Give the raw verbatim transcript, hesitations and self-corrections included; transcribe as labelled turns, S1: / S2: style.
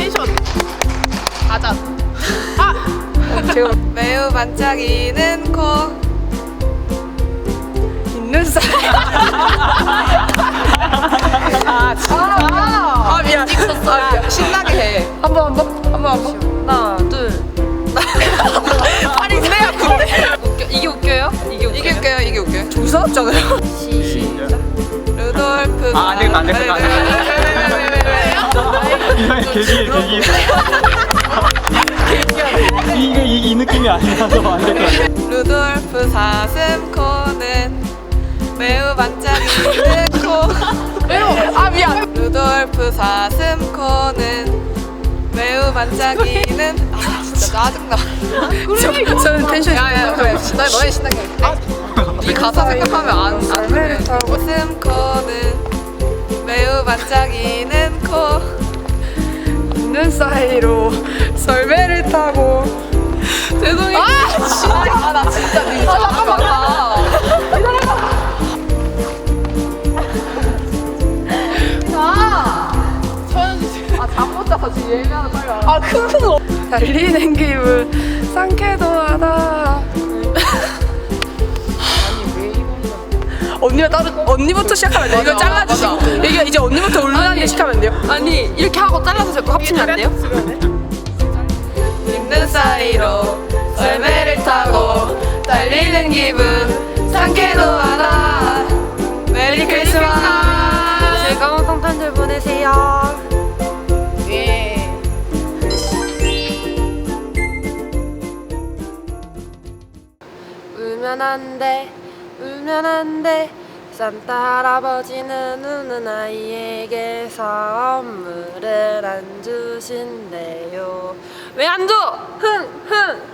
S1: 텐션. 가자. 아!
S2: 지금 매우 반짝이는 코 있는 사이. 아 진짜. 아 미안. 아, 미안. 신나게 해. 한번 한번 한번 한번. 하나 둘. 아니 내가 군대. 웃겨. 이게 웃겨요? 이게 웃겨요? 이게 웃겨요. 이게 웃겨요. 조사없잖아요.
S3: 시작.
S2: 루돌프.
S3: 아, 안 되겠다, 안 되겠다, 안 이상해, 개기해, 개기해. 이거 이, 이 느낌이 아니라서 안 될 것 같아.
S2: 루돌프 사슴 코는 매우 반짝이는 코. 매우. 아 미안. 루돌프 사슴 코는 매우 반짝이는. 아 진짜 짜증나.
S1: 그러니까.
S2: 저는 텐션이. 야야 그래. 나 너네 신나게 할게. 이 가사 생각하면 안 안 그래. 사슴 코는 매우 반짝이는 코.
S1: 있는 사이로 썰매를 타고.
S2: 죄송해요. 아 진짜. 아 나 진짜 진짜. 아 잠깐만. 아 잠못 자서 지금 예매하는 빨리 와라.
S1: 아 그거. 달리는 기분 상쾌도 하다. 언니가 따로 언니부터 시작하면 돼요. 이거
S2: 맞아,
S1: 잘라주시고
S2: 맞아.
S1: 이게 이제 언니부터 울만하게 시작하면 돼요.
S2: 아니 이렇게 하고 잘라서 자꾸 합치면 안 돼요? 있는 사이로 썰매를 타고 달리는 기분 상쾌도 하다. 메리 크리스마스.
S1: 즐거운 성탄절 보내세요.
S2: 예.
S1: 울면 안 돼, 울면 안 돼. 산타 할아버지는 우는 아이에게 선물을 안 주신대요. 왜 안 줘? 흥, 흥.